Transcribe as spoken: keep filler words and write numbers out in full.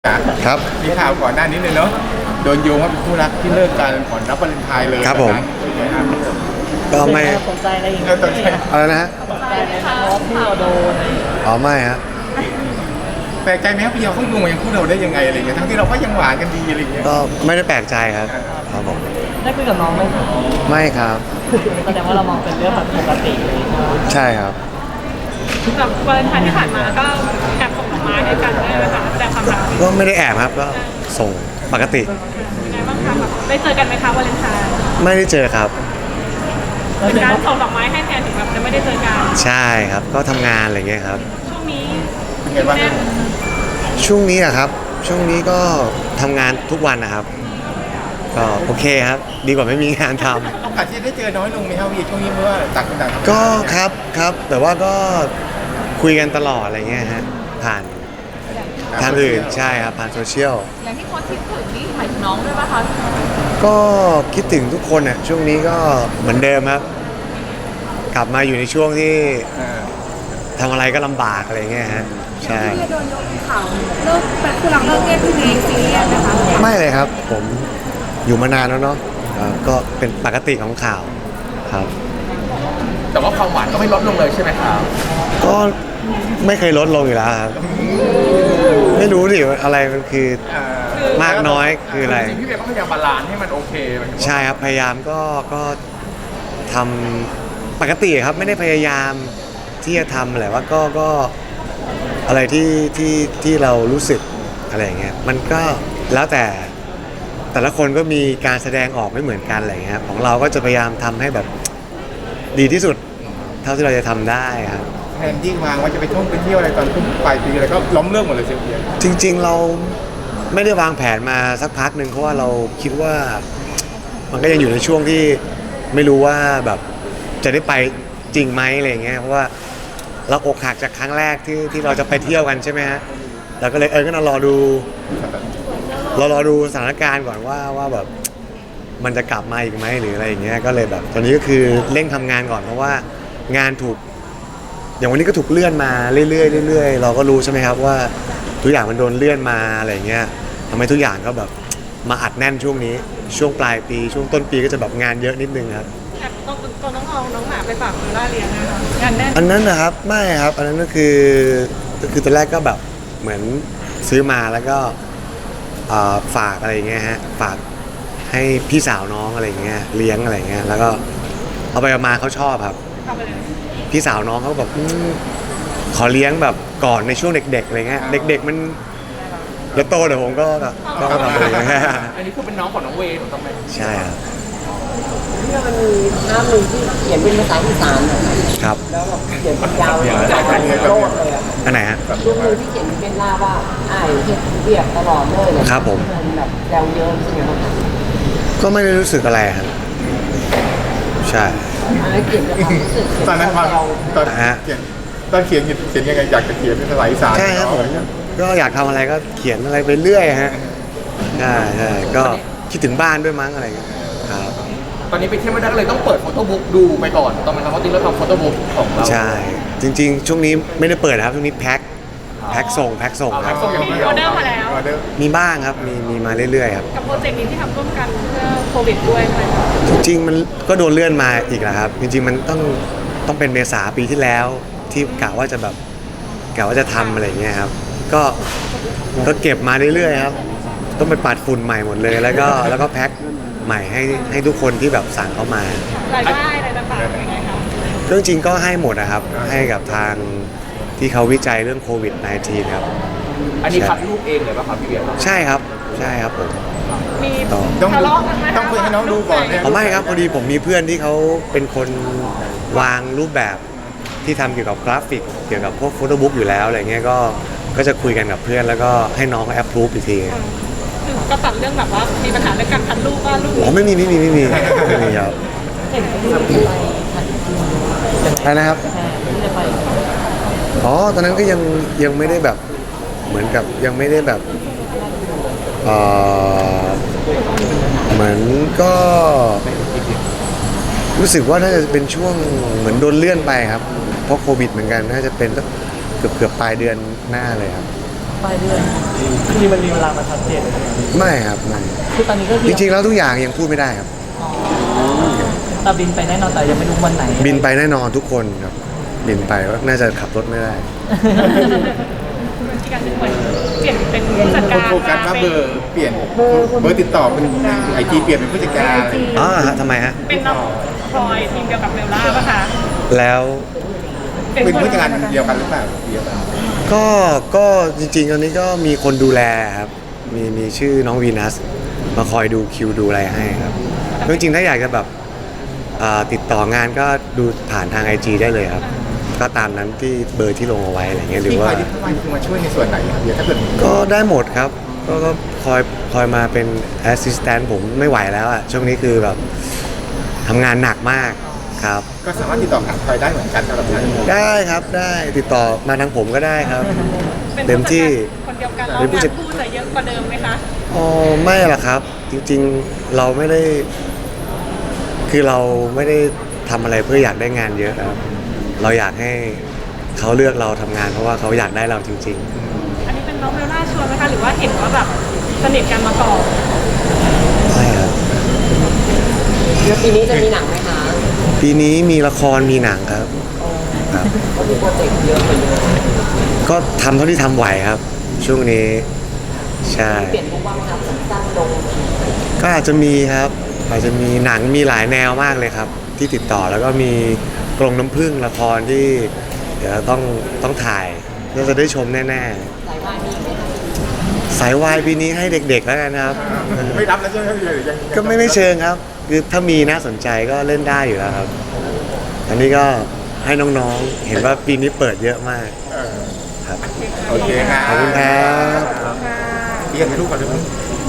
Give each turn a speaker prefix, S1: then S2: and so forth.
S1: ครับ
S2: มีข่าวก่อนหน้านี้เลยเนาะโดนโยงว่าเป็นคู่รักที่เลิกกันก่อนรับวาเลนไทน์เลย
S1: ครับผมก็ไม่
S3: สนใจอะไรอย่าง
S2: เอ
S3: เงี้
S2: อย ตอนที่
S1: อะไรนะฮะ
S3: สนใจไหมคะเพราะที่เราโดน
S1: อ๋อไม่ฮะ
S2: แปลกใจไหมครับพี่เยาเขาโยงมายังคู่เราได้ยังไงอะไรเงี้ยทั้งที่เราก็ยังหวานกันดีอะไรเงี้ย
S1: ก็ไม่ได้แปลกใจครับครับผม
S3: ได้คุยกับน้องไหมคะ
S1: ไม่ครับ
S3: แสดงว่าเรามองเป็นเรื่องแบบปกติเลยเนาะ
S1: ใช่ครับ
S4: แบบวาเลนไทน์ที่ผ่านมาก็แอบส่งดอกไม้ให้กันได้ไหมคะแสดงความรัก
S1: ก็ไม่ได้แอบครับก็ส่งปกติ
S4: ยังไงบ้างคะแบบได้เจอกันไหมคะวาเลนไทน์
S1: ไม่ได้เจอครับ
S4: เป็นการส่งดอกไม้ให้แทนถึงแบบจะไม่ได้เจอกัน
S1: ใช่ครับก็ทำงานอะไรเงี้ยครับ
S4: ช่วงนี้
S2: เป็นไงบ้าง
S4: แน่น
S1: ช่วงนี้อะครับ ช่วงนี้ก็ทำงานทุกวันนะครับ ก็โอเคครับ ดีกว่าไม่มีงานทำ
S2: โอกาสที่ได้เจอน้อยลงไหมครับพี่ช่วงนี้เพราะว่าต่างคนต่างทำงาน
S1: ก็ครับครับ แต่ว่าก็คุยกันตลอดอะไรเงี้ยฮะผ่านทางอื่นใช่ครับผ่านโซเชียล
S4: อย่างที่โค้ชคิดถึงนี่หมายถึงน้องด้วยป่ะคะ
S1: ก็คิดถึงทุกคนอ่ะช่วงนี้ก็เหมือนเดิมครับ กลับมาอยู่ในช่วงที่
S2: เออ
S1: ทำอะไรก็ลำบากอะไรเงี้ยฮะใช่
S4: ที่โดนยกข่าวเลิกแบบคือหลังเลิกเรียนพี่เมย์ซีเรียสนะคะ
S1: ไม่เลยครับ ผมอยู่มานานแล้วเนาะอ่าก็เป็นปกติของข่าวครับ
S2: แต่ว่าความหวานก็ไม่ลดลงเลยใช่ไหมครับ
S1: ก็ไม่เคยลดลงอยู่แล้วครับ ไม่รู้ดิว่าอะไรมันคือ
S2: เออ
S1: มากน้อยคืออะไร
S2: จริงๆพี่เบลก็พยายามบาลานซ์ให้มันโอเคหมายถึงว่า
S1: ใช่ครับพยายามก็ก็ทำปกติครับไม่ได้พยายามที่จะทำแหละว่าก็ก็อะไรที่ที่ที่เรารู้สึกอะไรอย่างเงี้ยมันก็แล้วแต่แต่ละคนก็มีการแสดงออกไม่เหมือนกันอะไรอย่างเงี้ยของเราก็จะพยายามทำให้แบบดีที่สุดเท่าที่เราจะทำได้ครับ
S2: แทนที่วางว่าจะไปท่องไปเที่ยวอะไรตอนขึ้นปลายปีอะไรก็ล้มเลิกหมดเลยเชียวพี่
S1: จริงๆเราไม่ได้วางแผนมาสักพักหนึ่งเพราะว่าเราคิดว่ามันก็ยังอยู่ในช่วงที่ไม่รู้ว่าแบบจะได้ไปจริงไหมอะไรอย่างเงี้ยเพราะว่าเราอกหักจากครั้งแรกที่ที่เราจะไปเที่ยวกันใช่ไหมฮะเราก็เลยเออก็นรอดูเรารอดูสถานการณ์ก่อนว่าว่าแบบมันจะกลับมาอีกไหมหรืออะไรอย่างเงี้ยก็เลยแบบตอนนี้ก็คือเร่งทำงานก่อนเพราะว่างานถูกอย่างวันนี้ก็ถูกเลื่อนมาเรื่อยๆเรื่อยๆเราก็รู้ใช่ไหมครับว่าทุกอย่างมันโดนเลื่อนมาอะไรอย่างเงี้ยทำให้ทุกอย่างก็แบบมาอัดแน่นช่วงนี้ช่วงปลายปีช่วงต้นปีก็จะแบบงานเยอะนิดนึงครับ
S4: แอบต้องต้องน้องเอาน้องหมาไปฝากคุณล่าเลี้ยงนะคะงานแน่น
S1: อันนั้นนะครับไม่ครับอันนั้นก็คือคือตอนแรกก็แบบเหมือนซื้อมาแล้วก็เอ่อฝากอะไรอย่างเงี้ยฮะฝากให้พี่สาวน้องอะไรอย่างเงี้ยเลี้ยงอะไรอย่างเงี้ยแล้วก็เอาไปเอามาเขาชอบครับ
S4: ทำไปเลย
S1: พี่สาวน้องเขาแบบอืมขอเลี้ยงแบบก่อนในช่วงเด็กๆอะไรเงี้ยเด็กๆมันแล้วโตเดี๋ยวผมก็ก็ทำอะไรอย่างเงี้ย
S2: อันนี้คือเป็นน้องของน้องเวย์ถูกต้องไหม
S1: ใช่ครับ
S3: เนี่ยมันมีภาพหนึ่งที่เขียนเป็นภาษาอีสานอะ
S1: ครับ
S3: แล้วแบบเขียนเป็นยาวเลยโลดเลยอะ
S1: อันไหนฮะ
S3: ช่วงหนึงที่เขียนเป็นหน้าว่าอ้ายเฮ็ดเรียบตลอดเลยเลย
S1: ครับผม
S3: มันแบบแซวเยอะใช่ไหมครับ
S1: ก็ไม่ได้รู้สึกอะไรครับใช่
S3: อันนั้นเขียนจากความรู้สึก
S2: ตอนนั้นความ
S3: เรา
S2: ตอนเขียนตอนเขียนเขียนยังไงอยากจะเขียนเป็นภาษาอีสาน
S1: ใช่ครับผมก็อยากทำอะไรก็เขียนอะไรไปเรื่อยฮะใช่ใช่ก็คิดถึงบ้านด้วยมั้งอะไรอย่างเงี้ยครับ
S2: ตอนนี้ไปเที่ยวไม่ได้ก็เลยต้องเปิดโฟโต้บุ๊กดูไปก่อนตอนมันทำเพราะจริงแล้วทำโฟโต้บุ๊กของเรา
S1: ใช่จริง ๆ ช่วงนี้ไม่ได้เปิดนะครับช่วงนี้แพ็คแพ็คส่งแพ็คส่ง
S2: เอา
S1: ค
S2: แพ็
S1: รับ
S2: คส่งอย่างเดียว
S4: ออเดอร์มาแล้ว
S2: ออเดอร์
S1: มีบ้างครับมีมีมาเรื่อยๆครับ
S4: กับโปรเจกต์นี้ที่ทำร่วมกันเพื่อโควิดด้วยไหม
S1: จริงๆมันก็โดนเลื่อนมาอีกแล้วครับ จริงๆมันต้องต้องเป็นเมษาปีที่แล้วที่กะว่าจะแบบกะว่าจะทำอะไรอย่างเงี้ยครับก็ก็เก็บมาเรื่อยๆครับต้องไปปัดฝุ่นใหม่หมดเลย แล้วก็แล้วก็แพ็คใหม่ให้ให้ทุกคนที่แบบสั่งเข้ามาร
S4: ายได้อะไรต่างๆยังไงคะ
S1: ก็จริงๆก็ให้หมดนะครับให้กับทางที่เขาวิจัยเรื่องโควิด สิบเก้า ครับ
S2: อันนี้คัดรูปเองเลยป่ะครับพี่เบียร์
S1: ใช่ครับใช่ครับผม
S4: มี
S2: ต้อง
S4: ทะเลาะกันไหมคะ
S2: ต้องคุยให้น้องดูก่อนเนี่ย
S1: อ๋อไม่ครับพอดีผมมีเพื่อนที่เขาเป็นคนวางรูปแบบที่ทำเกี่ยวกับกราฟิก เกี่ยวกับพวกโฟโต้บุ๊กอยู่แล้วอะไรเงี้ยก็ก็จะคุยกันกับเพื่อนแล้วก็ให้น้องเขาแอปพรูฟอีกที
S4: คือก็ตัดเรื่องแบบว่ามีปัญหาเรื่องการคัดรูปว่ารูป
S1: อ๋อไม่มีไม่มีไม่มีไม่มีครับ
S3: เห็นเป็นไปทันที
S1: อะไรนะครับ
S3: ที่จะไป
S1: อ๋อตอนนั้นก็ยังยังไม่ได้แบบเหมือนกับยังไม่ได้แบบเอ่อเหมือนก็รู้สึกว่าน่าจะเป็นช่วงเหมือนโดนเลื่อนไปครับเพราะโควิดเหมือนกันน่าจะเป็นสักเกือบเกือบปลายเดือนหน้าเลยครับ
S5: ปลายเดือนคือมันมีเวลามาชัดเจน
S1: ไม่ครับไม่
S5: คือตอนนี้ก็
S1: จริงๆแล้วทุกอย่างยังพูดไม่ได้ครับ
S5: แต่บินไปแน่นอนแต่ยังไม่รู้วันไหน
S1: บินไปแน่นอนทุกคนครับบินไปก็น่าจะขับรถไม่ได้
S4: มีการเหมือนเปลี่ยนเป็นผู้จัดการ
S2: โฟกัสว่าเบอร์เปลี่ยนเบอร์ติดต่อเป็นไอจีเปลี่ยนเป็นผู้จัดการอะไรอย่างเงี้ย
S1: อ๋อฮะทำไมฮะ
S4: เป็นน้องพลอยทีมเดียวกับเบลล่าป่ะคะ
S1: แล้ว
S2: เป็นผู้จัดการเดียวกันหรือเปล่าเดียวกัน
S1: ก็ก็จริงๆตอนนี้ก็มีคนดูแลครับมีมีชื่อน้องวีนัสมาคอยดูคิวดูอะไรให้ครับจริงๆถ้าอยากจะแบบอ่าติดต่องานก็ดูผ่านทาง ไอ จี ได้เลยครับ ก็ตามนั้นที่เบอร์ที่ลงเอาไว้อะไรเงี้ยหรือ
S2: ที่ค
S1: ว่า
S2: อยที่คอยมาช่วยในส่วนไหนครับเดี๋ยวถ้าเกิด
S1: ก็ได้หมดครับ ก็ก็คอยคอยมาเป็นแอสซิสแตนต์ผมไม่ไหวแล้วอะช่วงนี้คือแบบทำงานหนักมากครับ
S2: ก็สามารถติดต่อหาคอยได้เหมือนกันสำหรับทาง
S1: ได้ครับได้ติดต่อมาทางผมก็ได้ครับ
S4: เป็น
S1: เต็มที่
S4: คนเดียวกันแล้ว
S1: เป็นผู้
S4: งาน
S1: จัด
S4: คู่จะเยอะกว่าเดิมไหมคะ
S1: อ๋อไม่หรอกครับ จริงๆเราไม่ได้ คือเราไม่ได้ทำอะไรเพื่ออยากได้งานเยอะครับ เราอยากให้เขาเลือกเราทำงานเพราะว่าเขาอยากได้เราจริง
S4: อันนี้เป็นน้องเบลล่าชวนไหมคะหรือว่าเห็นว่าแบบสนิทกันมาก่อน
S1: ๆใช่ครับ
S3: แล้วปีนี้จะมีหนังไหมคะ
S1: ปีนี้มีละครมีหนังครับครับ
S3: ก็มีโปรเจกต์เยอะไปเยอะ
S1: ก็ทำเท่าที่ทำไหวครับ ช่วงนี้ใช่
S3: เปลี่ยนมุมบ้างครับสั้นๆลง
S1: ก็อาจจะมีครับ อาจจะมีหนังมีหลายแนวมากเลยครับ ที่ติดต่อแล้วก็มีกรงน้ำผึ้งละครที่เดี๋ยวต้องต้องถ่ายน่าจะได้ชมแน่
S3: สายวายมีไหมคะ
S1: ๆ สายวายปีนี้ให้เด็กๆแล้วกันครับ
S2: ไม่รับแล้วใช่ไหมพี่หรือยัง
S1: ก็ไม่ไม่เชิงครับ คือถ้ามีน่าสนใจก็เล่นได้อยู่แล้วครับ อันนี้ก็ให้น้องๆ เห็นว่าปีนี้เปิดเยอะมาก
S2: เออ
S1: ครับ
S2: โอเคครับ
S1: ขอบคุณครับ
S2: พี่กันถ่ายรูปก่อนเลย